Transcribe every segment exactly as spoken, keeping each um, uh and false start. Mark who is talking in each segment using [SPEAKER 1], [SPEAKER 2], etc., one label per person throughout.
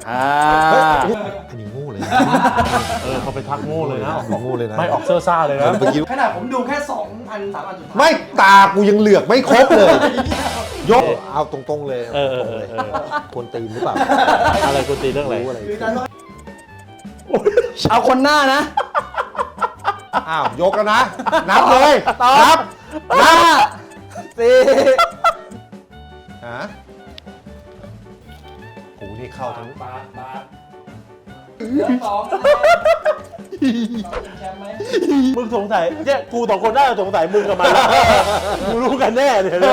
[SPEAKER 1] อ่า
[SPEAKER 2] อันนี้งูเลยนะ
[SPEAKER 3] เออเขาไปทักโง่เลยนะ
[SPEAKER 2] งูเลยนะ
[SPEAKER 3] ไม่ออกเซอร์ซ่าเลยนะ
[SPEAKER 4] ขนาดผมดูแค่สองอันสามอันสุดท้าย
[SPEAKER 2] ไม่ตากูยังเหลือกไม่ครบเลยยกเอาตรงๆเลย
[SPEAKER 3] เออเออเออเออ
[SPEAKER 2] ควรตีนหรือเปล่า
[SPEAKER 3] อะไรกูตีเรื่องอะไร
[SPEAKER 1] เอาคนหน้านะ
[SPEAKER 2] อ้าวยกแล้วนะนับเลยนับนับ
[SPEAKER 1] สี่
[SPEAKER 2] ฮะกูนี่เข้าทั้ง
[SPEAKER 4] บาทบาทเหลือสองเราเป็นแชมป์ไหม
[SPEAKER 3] มึงสงสัยเนี่ยกูสองคนน่าจะสงสัยมึงกับมันมึงรู้กันแน่เลยเนี่ย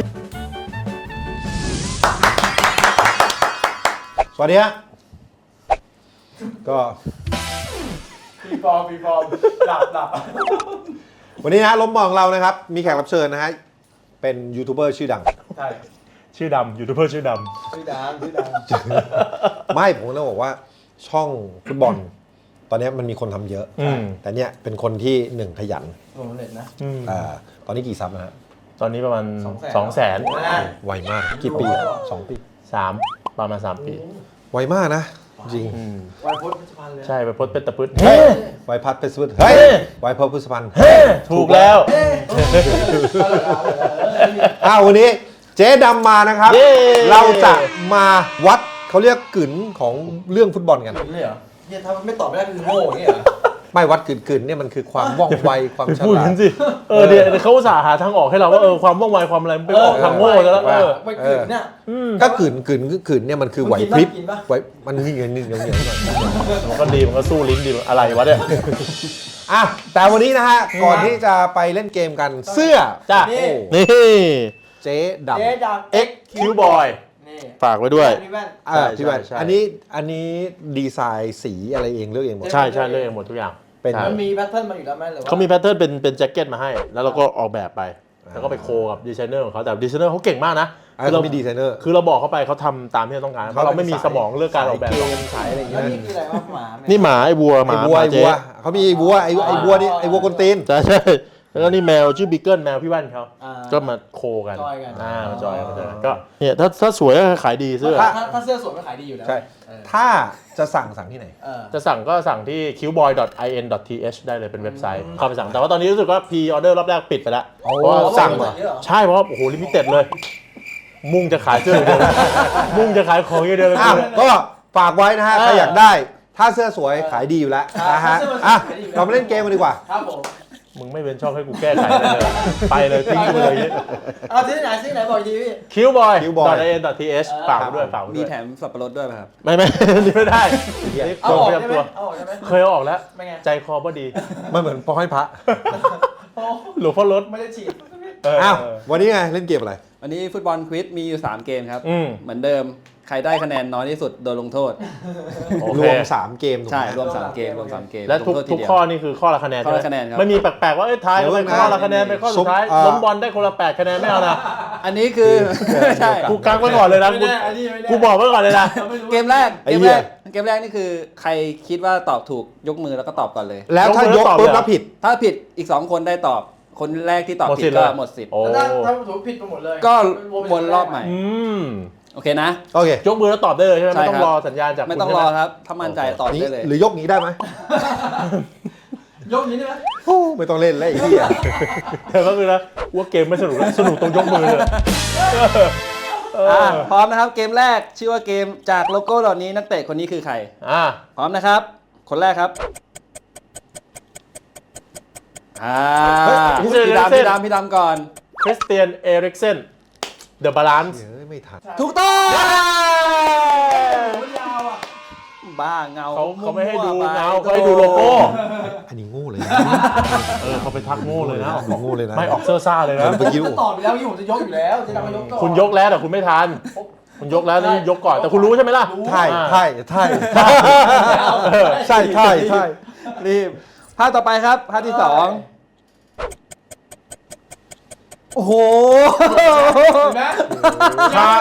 [SPEAKER 2] สวัสดีฮะก็
[SPEAKER 4] ปีฟอร์มปีฟอร์มหลับหลับ
[SPEAKER 2] วันนี้นะล้มมองเรานะครับมีแขกรับเชิญนะฮะเป็นยูทูบเบอร์ชื่อดัง
[SPEAKER 4] ใช่
[SPEAKER 3] ชื่อดำยูทูบเบอร์ชื่อด
[SPEAKER 4] ชื่อดังชื่อดัง
[SPEAKER 2] ไม่ผมต้องบอกว่าช่องฟุตบอล ตอนนี้มันมีคนทำเยอะ
[SPEAKER 3] ำอืม
[SPEAKER 2] แต่เนี่ยเป็นคนที่หนึ่งขยัน
[SPEAKER 4] โอ้เน็ตนะ
[SPEAKER 3] อืม
[SPEAKER 2] อ่าตอนนี้กี่ซับนะฮะ
[SPEAKER 3] ตอนนี้ประมาณ
[SPEAKER 4] สองแสน
[SPEAKER 3] สองแสน
[SPEAKER 2] ไวมากกี่ปีสองปี
[SPEAKER 3] สามประมาณสามปี
[SPEAKER 2] ไวมากนะจริง
[SPEAKER 3] อืม
[SPEAKER 4] วันพุธพิชพันธ์เลย
[SPEAKER 3] ใช่ไปพดเป็นตะพืด
[SPEAKER 2] เฮ้ยไวพัดเพชรพุทธเฮ้ยไวพัดพุทธพันธ์
[SPEAKER 3] ถูกแล้ว
[SPEAKER 2] อ้าววันนี้เจ๊ดำมานะครับ
[SPEAKER 3] เย้
[SPEAKER 2] เราจะมาวัดเขาเรียกกึ๋นของเรื่องฟุตบอลกัน
[SPEAKER 4] นี่เหรอเนี่ยถ้าไม่ตอบไม่ได้คือโง่อย่างเงี้ยเหรอ
[SPEAKER 2] ไม่วัดกึ๋นกึ๋นเนี่ยมันคือความว่องไวความ
[SPEAKER 3] ไป
[SPEAKER 2] ฉ
[SPEAKER 3] พูด
[SPEAKER 2] ลา
[SPEAKER 3] กั
[SPEAKER 2] ด
[SPEAKER 3] นสิเออเดี๋ยวเขาอุตส่าห์หาทางออกให้เราว่าเออความว่องไวความอะไรมันไปออกทางโง่ซะแล้วเออ
[SPEAKER 4] ไปกลืนเนี่ย
[SPEAKER 2] ก็กึ๋นกึ๋นกึ๋นเนี่ยมันคือไหวพริบ
[SPEAKER 4] กินปะ
[SPEAKER 2] ไหวมันนี่เงินนี่เงินเงินหน่อย
[SPEAKER 3] มันก็ดีมันก็สู้ลิ้นดีอะไรวะเนี่ย
[SPEAKER 2] อ่ะแต่วันนี้นะฮะก่อนที่จะไปเล่นเกมกันเสื้อ
[SPEAKER 3] จ้ะ
[SPEAKER 2] โอ้
[SPEAKER 3] นี่
[SPEAKER 2] เจ๊ดำ
[SPEAKER 4] เจ๊ดัง
[SPEAKER 3] X Q Boy
[SPEAKER 4] นี่
[SPEAKER 3] ฝากไว้ด้วย
[SPEAKER 4] นี่แว่น
[SPEAKER 2] อ่าพี่แบน
[SPEAKER 3] ใช่
[SPEAKER 2] อันนี้อันนี้ดีไซน์สีอะไรเองเลือกเองหมด
[SPEAKER 3] ใช่ใช่เลือกเองหมดทุกอย่าง
[SPEAKER 2] เป็น
[SPEAKER 3] ใช่
[SPEAKER 4] มันมีแพทเทิร์นมาอยู่แล้วไหมหรือว่า
[SPEAKER 3] เขามีแพทเทิร์นเป็นเป็นแจ็คเก็ตมาให้ แล้วเราก็ออกแบบไป แล้วก็ไปโคกับดีไซเนอร์ของเขาแต่ดีไซเนอร์เขาเก่งมากนะ
[SPEAKER 2] อ่าเขามีดีไซเนอร์
[SPEAKER 3] คือเราบอกเขาไปเขาทำตามที่เราต้องการเพราะเราไม่มีสมองเรื่องการออกแบบ
[SPEAKER 2] เกมสายอะไรอย่าง
[SPEAKER 4] แล้
[SPEAKER 2] เงี้
[SPEAKER 4] วย นี่คืออะไรวะหมาเนี่ย
[SPEAKER 3] นี่หมาไอ้วัวห
[SPEAKER 2] ไอ้
[SPEAKER 3] มา
[SPEAKER 2] วัว
[SPEAKER 3] หมา
[SPEAKER 2] ไอ้
[SPEAKER 3] เจ๊
[SPEAKER 2] วัวเขามีไอ้วัวไอ้ไอ้วัวนี่ไอ้วัวกวนตีน
[SPEAKER 3] ใช่ใช่แล้วก็นี่แมวชื่อบิกเกิลแมวพี่แว่นเขา
[SPEAKER 4] อ่า
[SPEAKER 3] ก็มาโคกัน
[SPEAKER 4] จอยกัน
[SPEAKER 3] อ่ามาจอยกันมาจอยกันก็เนี่ยถ้าถ้าสวยก็ขายดีเสื้อ
[SPEAKER 4] ถ้าถ้าถ้าเสื้อสวยมันขายดีอยู่แล้ว
[SPEAKER 2] ใช่
[SPEAKER 4] เออ
[SPEAKER 2] ถ้าจะสั่งสั่งที่ไหน
[SPEAKER 4] เออ
[SPEAKER 3] จะสั่งก็สั่งที่ คิวบอยดอทไอเอ็นดอททีเอช ได้เลยเป็นเว็บไซต์เข้าไปสั่งแต่ว่าตอนนี้รู้สึกว่าพรีออเดอร์รอบแรกปิดไปแล้ว
[SPEAKER 2] โอ้
[SPEAKER 3] เพราะว่า
[SPEAKER 2] สั่
[SPEAKER 3] สั่
[SPEAKER 2] ง
[SPEAKER 3] ง
[SPEAKER 2] เหรอ
[SPEAKER 3] ใช่เพราะว่าโอ้โหลิมิเต็ดเลย มุ่งจะขายเสื้ออย่างเดียวเลยมุ่งจะขายของอย่างเดียวเลย
[SPEAKER 2] อ้าวก็ฝากไว้นะฮะใครอยากได้ ถ้าเสื้อสวยขายดีอยู่แล้วนะฮะอ่ะเรามาเล่นเกมกันดีกว่า
[SPEAKER 4] ครับผม
[SPEAKER 3] มึงไม่เป็นช่องให้กูแก้ไขเลย ไปเลยทิ้งกูเลย
[SPEAKER 4] เอาที่ไหนที่ไหนบอกอีกทีพี่
[SPEAKER 3] คิวบอย
[SPEAKER 2] คิวบอย
[SPEAKER 3] ดอทไอเอ็นดอททีเอชฝากไว้ด้วยฝากไว้
[SPEAKER 1] มี
[SPEAKER 3] ด้วย
[SPEAKER 1] แถมสับปะรดด้วยป่ะครับ
[SPEAKER 3] ไม่ไม่ นี่ไม่ได้นี่
[SPEAKER 4] เอา
[SPEAKER 3] ตัว
[SPEAKER 4] ออก
[SPEAKER 3] เตรียม
[SPEAKER 4] ได้ไหม
[SPEAKER 3] ตัว
[SPEAKER 4] เอาออกได้ไหม
[SPEAKER 3] เคยเอาออกแล้ว
[SPEAKER 4] ไม่ไง
[SPEAKER 3] ใจคอบ่ดี
[SPEAKER 2] มันเหมือนปอให้พระ
[SPEAKER 4] โอ้
[SPEAKER 3] หลวงพ่อรถ
[SPEAKER 4] ไม่ได้ฉีด
[SPEAKER 3] เออ
[SPEAKER 2] อ้าววันนี้ไงเล่นเกมอะไร
[SPEAKER 1] วันนี้ฟุตบอลควิซมีอยู่สามเกมครับ
[SPEAKER 3] อืม
[SPEAKER 1] เหมือนเดิมใครได้คะแนนน้อยที่สุดโดนลงโทษ
[SPEAKER 3] โอ
[SPEAKER 2] ร
[SPEAKER 3] เคว
[SPEAKER 2] มสามเกมถูกไห
[SPEAKER 1] ใช่
[SPEAKER 2] ม
[SPEAKER 1] รวมสามเกมรวมสามเกม
[SPEAKER 3] และทุก
[SPEAKER 1] ลงโทษที
[SPEAKER 3] ทุก
[SPEAKER 1] เดียว
[SPEAKER 3] ข้อนี่คือข้อละคะแนน
[SPEAKER 1] ข้อละ
[SPEAKER 3] ใช่ไหม
[SPEAKER 1] คะแนนครับ
[SPEAKER 3] ไม่มีแปลกๆว่าเอ้ยทายเอาไปข้อละคะแนนไปข้อสุดท้าย
[SPEAKER 2] อ่า
[SPEAKER 3] ล้มบอลได้คนละแปดคะแนนไม่เอานะ
[SPEAKER 1] อันนี้คือ ใช่
[SPEAKER 3] กูกังไว้ก่อนเลยนะ
[SPEAKER 4] ไม่
[SPEAKER 3] กู
[SPEAKER 4] ได้อันนี้ไม่ได้
[SPEAKER 3] กูบอกไว้ก่อนเลยนะ
[SPEAKER 1] เกมแรก
[SPEAKER 2] ไอ้
[SPEAKER 1] เกม
[SPEAKER 2] เหี้
[SPEAKER 1] แร
[SPEAKER 2] ย
[SPEAKER 1] กเกมแรกนี่คือใครคิดว่าตอบถูกยกมือแล้วก็ตอบก่อนเลย
[SPEAKER 2] แล้วถ้ายกปุ๊บแล้วผิด
[SPEAKER 1] ถ้าผิดอีกสองคนได้ตอบคนแรกที่ตอบ
[SPEAKER 3] หมด
[SPEAKER 1] ผิ
[SPEAKER 3] สิ
[SPEAKER 1] ด
[SPEAKER 3] ทธิ์
[SPEAKER 1] ก็
[SPEAKER 3] เลย
[SPEAKER 1] หมดสิทธิ์
[SPEAKER 3] โอ้
[SPEAKER 4] ถ้าถ้าถูกผิดไปหมดเลย
[SPEAKER 1] ก็วนรอบใหม่
[SPEAKER 3] อืม
[SPEAKER 1] โอเคนะ
[SPEAKER 2] โอเค
[SPEAKER 3] ยกมือแล้วตอบได้เลยใช่ไหม
[SPEAKER 1] ใช่
[SPEAKER 3] ไม่ต้อ
[SPEAKER 1] ครั
[SPEAKER 3] ง
[SPEAKER 1] บ
[SPEAKER 3] รอสัญญาณจาก
[SPEAKER 1] ไม่
[SPEAKER 3] คุณ
[SPEAKER 1] ต้อง
[SPEAKER 3] ใช่
[SPEAKER 1] ร
[SPEAKER 3] ไห
[SPEAKER 1] อ
[SPEAKER 3] ม
[SPEAKER 1] ครับ ถ้ามั่นใจตอบ
[SPEAKER 2] นี้
[SPEAKER 1] ได้เลย
[SPEAKER 2] หรือยกนี้ได้ไหม
[SPEAKER 4] ยกนี้ได้ไหม
[SPEAKER 2] โอ้ไม่ต้องเล่นแล้วไอ้เหี้ย
[SPEAKER 3] แต่ก็คือนะว่าเกมไม่สนุกแล้วสนุกตรงยกมือเลยเออ
[SPEAKER 1] อ่ะพร้อมนะครับเกมแรกชื่อว่าเกมจากโลโก้เหล่านี้นักเตะคนนี้คือใคร
[SPEAKER 3] อ่ะ
[SPEAKER 1] พร้อมนะครับ คนแรกครับอ่าพี่ดำพี่ดำพี่ดำก่อน
[SPEAKER 3] คริสเตียนเอริกเซนเดอะบาลานซ์
[SPEAKER 2] เฮ้ยไม่ทัน
[SPEAKER 1] ถูกต้อง
[SPEAKER 4] ยาวอ่ะ
[SPEAKER 1] บ้าเงา
[SPEAKER 3] เขาเขาไม่ให้ดู
[SPEAKER 1] วๆไป
[SPEAKER 3] เงาเขาให้ดูโลโก้
[SPEAKER 2] อันนี้งูเลยนะ
[SPEAKER 3] เออเขาไปทักโง่เลยนะ
[SPEAKER 2] งูเลยนะ
[SPEAKER 3] ไม่ออกเซอร์ซ่าเลยนะ
[SPEAKER 2] เมื่อกี้
[SPEAKER 4] จะตอบไปแล้วยี่ผมจะยกอยู่แล้วจะทำมายกต่อ
[SPEAKER 3] คุณยกแล้วแต่คุณไม่ทัน คุณยกแล้วนี่ยกก่อนแต่คุณรู้ใช่ไหมล่ะ
[SPEAKER 2] ใช่ใช่ใช่ใช่ใช่ใช่
[SPEAKER 1] รีบภาพต่อไปครับภาพที่สองโอ้โห
[SPEAKER 4] เห็นไหม
[SPEAKER 3] คา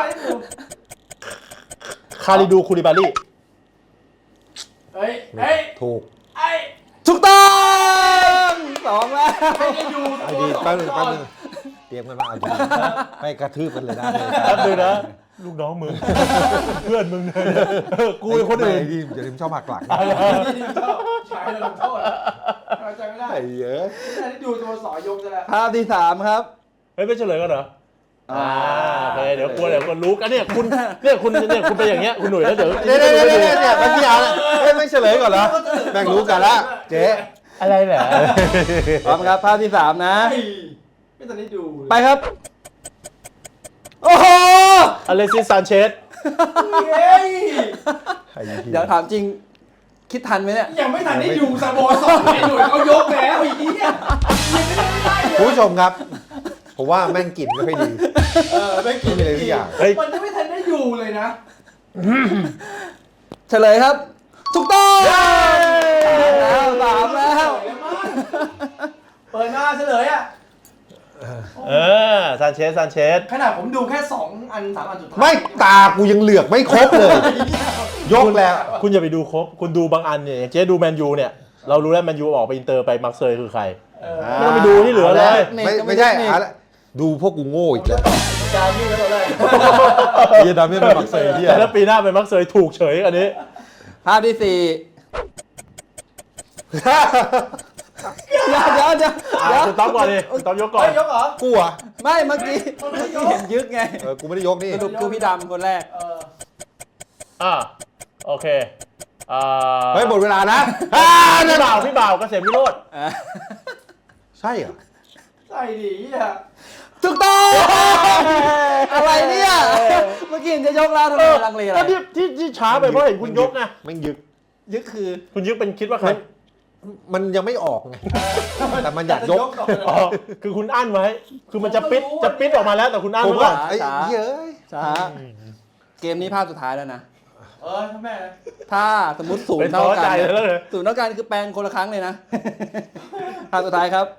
[SPEAKER 3] คาริดูคูลิบาลี
[SPEAKER 4] เฮ้ยเฮ้ย
[SPEAKER 2] ถูก
[SPEAKER 4] ไอ้
[SPEAKER 1] ถูกต้องสองแล้ว
[SPEAKER 4] ไม่ได้ดู
[SPEAKER 2] ไอ้ดีแป๊บนึงแป๊บนึงเตรียมกันมาเอาดีไม่กระทืบกันเลยนะ
[SPEAKER 3] แป๊บนึงนะลูกน้องมึง เพื่อนมึงเลยเออกูเป็นคนอื่น
[SPEAKER 2] ไที่อย่าลืมชอบหักหลัง
[SPEAKER 4] ใช้แล้วลงโทษเข้าใจไม่ได้
[SPEAKER 2] ไอ้เยอะ
[SPEAKER 4] ไม่ได้ดูตัวสอยกซะแล้ว
[SPEAKER 1] ภาพที่สามครับ
[SPEAKER 3] เฮ้ยไม่เฉลยกันเหรอ
[SPEAKER 1] อ่า
[SPEAKER 3] โอเคเดี๋ยวกลัวเดี๋ยวคนรู้กันเนี่ยคุณเนี่ยคุณเนี่ยคุณเป็นอย่างเงี้ยคุณหนุ่ยแล้วเดี๋ยว
[SPEAKER 2] เดี๋ยวเดี๋ยวเดี๋ยวเดี๋ยวเนี่ยมันที่เอาเฮ้ยไม่เฉลยก่อนเหรอแม่งรู้กันละเจ๊
[SPEAKER 3] อะไรเหรอ
[SPEAKER 1] พร้อมครับภาพที่สามนะ
[SPEAKER 4] เฮ้ยไม่ทันได้ดู
[SPEAKER 1] ไปครับ โอ้โห
[SPEAKER 3] อเลซิสซานเชส
[SPEAKER 4] เฮ้ย
[SPEAKER 2] ไอ้เหี้ย
[SPEAKER 1] เดี๋ยวถามจริง คิดทันไหมเนี่ย
[SPEAKER 4] ยังไม่ทันได้ดูสโมสรไอ้หน่วยเขายกแล้วไอ้เหี้ยยังไม่ได้เลย
[SPEAKER 2] คุณผู้ชมครับ ผมว่าแม่งกลิ่นไม่ค่อยดี
[SPEAKER 4] เออไม่กิน
[SPEAKER 2] ไม่เลยทุกอย่าง
[SPEAKER 3] เฮ้ย
[SPEAKER 4] มันยังไม่ทันได้ดูเลยนะ
[SPEAKER 1] เฉลยครับ ถูกต้องแล้วสามแล้ว
[SPEAKER 4] เปิดหน้าเฉลยอ่ะ
[SPEAKER 3] เออซานเชสซานเชส
[SPEAKER 4] ขนาดผมดูแค่สองอันสามอันสุดท้าย
[SPEAKER 2] ไม่ตากูยังเหลือกไม่ครบเลย ยกแล้ว
[SPEAKER 3] คุณอย่าไปดูครบคุณดูบางอันเนี่ยอย่างเจ๊ดูแมนยูเนี่ยเรารู้แล้วแมนยูออกไปอินเตอร์ไปมาร์เซยคือใคร
[SPEAKER 4] เออ
[SPEAKER 3] ไม่ต้องไปดูที่เหลือเลย
[SPEAKER 2] ไม่ไม่ใช่อะไรดูพวกกูโง่อีกแล้ว
[SPEAKER 4] จามี่แล้วตอนแรก
[SPEAKER 2] เฮียดำเนี่ยเป็นบักเซยที่
[SPEAKER 3] แต่ถ้าปีหน้าเป็นมาร์เซยถูกเฉยอันนี้
[SPEAKER 1] ภาพที่สี่เดี๋ยวเดี๋ยวเดี๋ยว
[SPEAKER 3] อ่ะ
[SPEAKER 1] เดี๋ยว
[SPEAKER 3] คุณต๊อบก่อนดิคุณต๊อบยกก่อน
[SPEAKER 4] เฮ้ยยกเหรอ
[SPEAKER 2] กูอ่ะ
[SPEAKER 1] ไม่เมื่อกี้เมื่อกี้เห็นยึกไง
[SPEAKER 2] เออกูไม่ได้ยกนี่
[SPEAKER 1] สรุปคือพี่ดำคนแรก
[SPEAKER 4] เออ
[SPEAKER 3] อ่าโอเคอ่า
[SPEAKER 2] เฮ้ยหมดเวลานะ
[SPEAKER 3] พี่บ่าวพี่บ่าวเกษมวิโรจน์
[SPEAKER 1] อ่ะ
[SPEAKER 2] ใช่เหรอ
[SPEAKER 4] ใส่ดีอ่ะ
[SPEAKER 1] ถูกต้องอะไรเนี่ย เมื่อกี้เห็นจะยกแล้วทำไมลังเลอะไร
[SPEAKER 3] ก็ที่ที่ที่ช้าไปเพราะเห็นคุณยกไง
[SPEAKER 2] แม่งยึก
[SPEAKER 1] ยึกคือ
[SPEAKER 3] คุณยึกเป็นคิดว่าใคร
[SPEAKER 2] มันยังไม่ออกไง แต่มันอยากยก
[SPEAKER 4] ก่อน
[SPEAKER 3] อ๋อคือคุณอั้นไว้ คือมันจะปิดจะปิดออกมาแล้วแต่คุณอั้น
[SPEAKER 2] ผม
[SPEAKER 3] ไว้ก่
[SPEAKER 2] ว่า
[SPEAKER 3] อน
[SPEAKER 2] ไอ้เหี้ยเอ้ย
[SPEAKER 1] ช้าเกมนี้ภาพสุดท้ายแล้วนะ
[SPEAKER 4] เออถ้าแม่นะ
[SPEAKER 1] ถ้าสมมติศูน
[SPEAKER 3] เป็น
[SPEAKER 1] ย์
[SPEAKER 3] ท้
[SPEAKER 1] เท่า
[SPEAKER 3] อ
[SPEAKER 1] กั
[SPEAKER 3] ใจ
[SPEAKER 1] น
[SPEAKER 3] แล้วเลย
[SPEAKER 1] ศูนย์เท่ากันคือแปลงคนละครั้งเลยนะ ภาพสุดท้ายครับ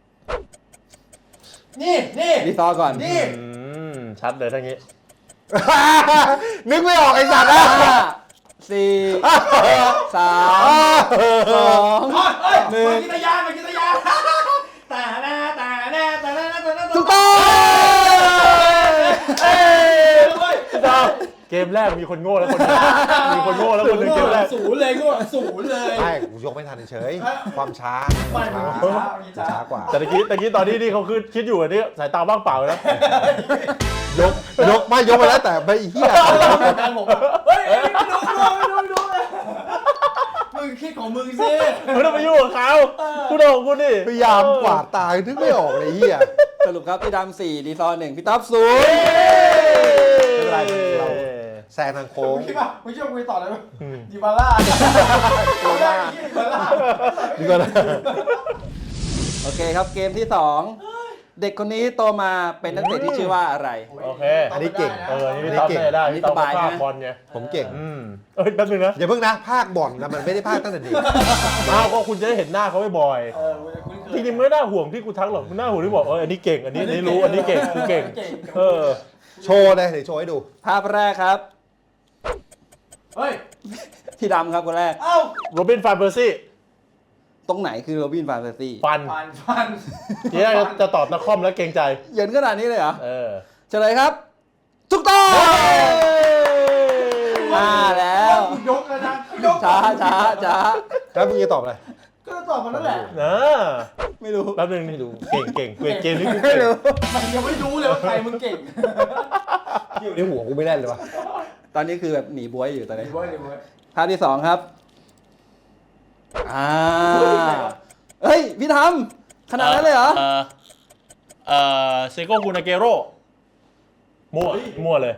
[SPEAKER 4] นี่นี่
[SPEAKER 1] รีซอร์ก่อน
[SPEAKER 4] นี่
[SPEAKER 3] อืมชัดเลยทั้งนี้
[SPEAKER 2] นึกไม่ออกไอ้สัตว์นะ
[SPEAKER 1] ห้าสี่สามสอง
[SPEAKER 4] เฮ้ยเฮ้ยมากินตะยานมากินตะยานแต่แน่แต่แน่แต่แน่แต่แน่
[SPEAKER 1] ถูกต้อง
[SPEAKER 4] เอ้ยเฮ้ย
[SPEAKER 3] เกมแรกมีคนโง่แล้วคนหนึงมีคนโง่แล้วคนหนึงเกมแรก
[SPEAKER 4] ศูนย์เลยก็ศูนย์เลย
[SPEAKER 2] ใช่กูยกไม่ทันเฉยๆความช้า
[SPEAKER 4] ไม่
[SPEAKER 2] ช้า
[SPEAKER 4] มันช้ามันช้า
[SPEAKER 2] ช้ากว่า
[SPEAKER 3] แต่ตะกี้ตะกี้ตอนนี้นี่เขาคือคิดอยู่อันนี้สายตาบ้างเปล่านะ
[SPEAKER 2] ยกยกไม่ยกไปแล้วแต่ไม่เหี้ย
[SPEAKER 4] แฟนผมเฮ้ยไม่ดูไม่ดูไม่ดูเลยมึงคิดของมึงสิ
[SPEAKER 3] ไม่ต้องไปยุ่งกับเขาคุณโดนคุณดิ
[SPEAKER 2] พยายามกวาดตานึกไม่ออกเลยเหี้ย
[SPEAKER 1] สรุปครับพี่ดำสี่รีซอร์หนึ่งพี่ท็อปศูนย์
[SPEAKER 2] ไม่เป็นไรเราแซงทางโค้ง
[SPEAKER 4] มึงคิดว่ามึงคิดว่ากูต่ออะไรมั้ยดิบาล่าดิบาล่าดิบาล่า
[SPEAKER 2] ดีกว่านะ
[SPEAKER 1] โอเคครับเกมที่สองเด็กคนนี้โตมาเป็นนักเตะที่ชื่อว่าอะไร
[SPEAKER 3] โอเค
[SPEAKER 2] อันนี้เก่ง
[SPEAKER 3] เออนี่พี่ต๊อบได้ได้พี่ต๊อบมาภาคบอลไง
[SPEAKER 2] ผมเก่ง
[SPEAKER 3] อืมเอ้ยแป๊บนึงนะ
[SPEAKER 2] อย่าเพิ่งนะ ภาคบ่อนนะมันไม่ได้ภาคตั้งแต่เด็ก
[SPEAKER 3] อ้าวก็คุณจะได้เห็นหน้าเขาบ่อย
[SPEAKER 4] เออกูจะคุ้นเค
[SPEAKER 3] ๆจ
[SPEAKER 4] ย
[SPEAKER 3] ริงๆไม่น่าห่วงที่กูทักหรอกน่าห่วงที่บอกเอออันนี้เก่งอันนี้อันนี้รู้อันนี้เก่งกูเก่งเออ
[SPEAKER 2] โชว์เลยเดี๋ยวโชว์ให้ดู
[SPEAKER 1] ภาพแรกครับ
[SPEAKER 4] เฮ้ย
[SPEAKER 1] พี่ดำครับคนแรก
[SPEAKER 4] เอ้า
[SPEAKER 3] โรบินฟานเปอร์ซี่
[SPEAKER 1] ตรงไหนคือโรบินฟานเซซี่
[SPEAKER 3] ฟัน
[SPEAKER 4] ฟันฟัน
[SPEAKER 3] ทีแรกจะตอบนักคอมแล้วเกรงใจ
[SPEAKER 1] เหยินขนาดนี้เลยเหรอ
[SPEAKER 3] เออ
[SPEAKER 1] เฉลยครับถูกต้องมาแล้ว
[SPEAKER 4] ยกแล้วนะยก
[SPEAKER 1] ช้าช้าช้า
[SPEAKER 2] แล้วมึงจะตอบอะไร
[SPEAKER 4] ก็ตอบมันนั่นแหละ
[SPEAKER 3] นะ
[SPEAKER 1] ไม่รู้
[SPEAKER 3] แป๊บนึงนี่ดูเก่งเก่งเก่งเกมนี้กู
[SPEAKER 1] ไม่
[SPEAKER 3] เก่ง
[SPEAKER 1] รู้
[SPEAKER 4] มันยังไม่รู้เลยว่าใครมึงเก่ง
[SPEAKER 2] อยู่ในหัวกูไม่แน่นเลยวะ
[SPEAKER 1] ตอนนี้คือแบบหนีบวยอยู่ตอนนี้
[SPEAKER 4] ดีเว้ยดีเว้ย
[SPEAKER 1] ภาพที่สองครับอ่าเฮ้ยพี่ทำขนาดนั้นเลยเหรอ
[SPEAKER 3] เออเออเซโกกูนาเกโร่มั่วมั่วเลย